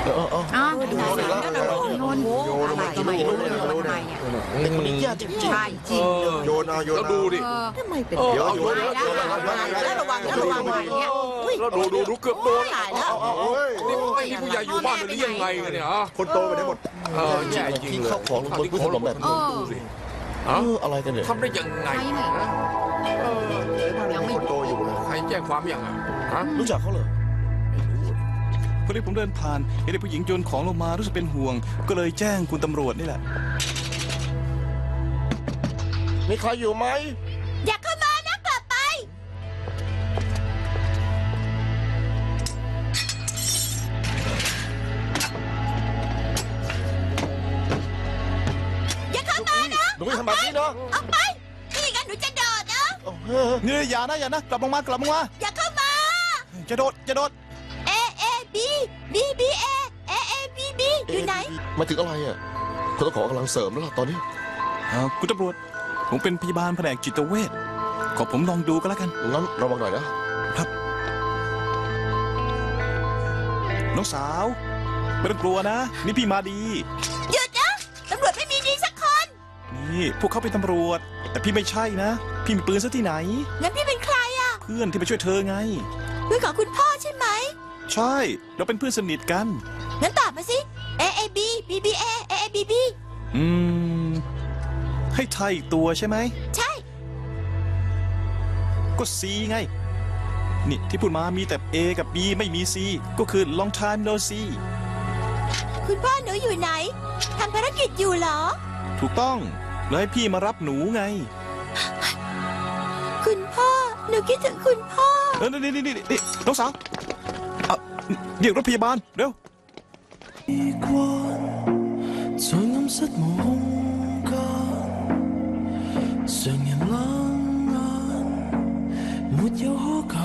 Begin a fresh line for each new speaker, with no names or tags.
อ๋อโยนอะไรก็ไม่รู้เลยทำไมเนี่ย
เด็กคนนี้ยากจริง
ใช่จริงเลย
โยนเอา
แล้วดูดิ
ทำไมเป็น
เดี๋ยว
เอา
โยน
แล้วระวังเนี่ย
แล้วดูเกือบโดน
ตายแล้ว
นี่ไม่มีผู้ใหญ่อยู่บ้านหรือยังไงกันเนี่ยฮะ
คนโตไปได้หมด
แย่จริง
ทิ้ง
เลย
ข้าวของลงบนพื้นถนนแบบนี้
ดูสิ
อะไรกันเนี่ย
ทำได้ยังไงนะ
ยังไม่
คนโตอยู่เลย
ใครแจ้งความยังอ่ะฮะ
รู้จักเขาเหรอ
พอดีผมเดินผ่านเห็นเด็กผู้หญิงโยนของลงมารู้สึกเป็นห่วง ก็เลยแจ้งคุณตำรวจนี่แหละ
มีใครอยู่ไหม
อยากเข้ามานะกลับไปอย่าเข้ามานะ
หนูไม่ทำแบบนี้เนาะ
ออกไปนี่กันหนูจะโดดนะ
นี่อย่านะกลับลงมากลับลงมา
อย่าเข้ามา
จะโดด
A A B B B A A A B B อยู่ไหน
มาถึงอะไรอ่ะคนต้องขอกำลังเสริมแล้วล่ะตอนนี้
คุณตำรวจผมเป็นพยาบาลแผนกจิตเวชขอผมลองดูก็แล้วกัน
งั้นระวังหน่อยนะ
น้องสาวไม่ต้องกลัวนะ นี่พี่มาดี
หยุดนะตำรวจไม่มีดีสักคน
นี่พวกเขาเป็นตำรวจ แต่พี่ไม่ใช่นะ พี่มีปืนซะที่ไหน
งั้นพี่เป็นใครอ่ะ
เพื่อนที่ไปช่วยเธอไง
เพื่อนของคุณพ่อใช่ไหม
ใช่ เราเป็นเพื่อนสนิทกัน
งั้นตอบมาสิ A A B B B A A A B B
ให้ไทยตัวใช่ไหม
ใช่
ก็ C ไง นี่ที่พูดมามีแต่ A กับ B ไม่มี C ก็คือ long time no see
คุณพ่อหนูอยู่ไหนทำภารกิจอยู่เหรอ
ถูกต้องเลยให้พี่มารับหนูไง
คุณพ่อหนูคิดถึงคุณพ่อ
นี่น้องสาวเรียกรถพยาบาลเร็ว
在暗室無空間，常人冷眼，沒有苛求。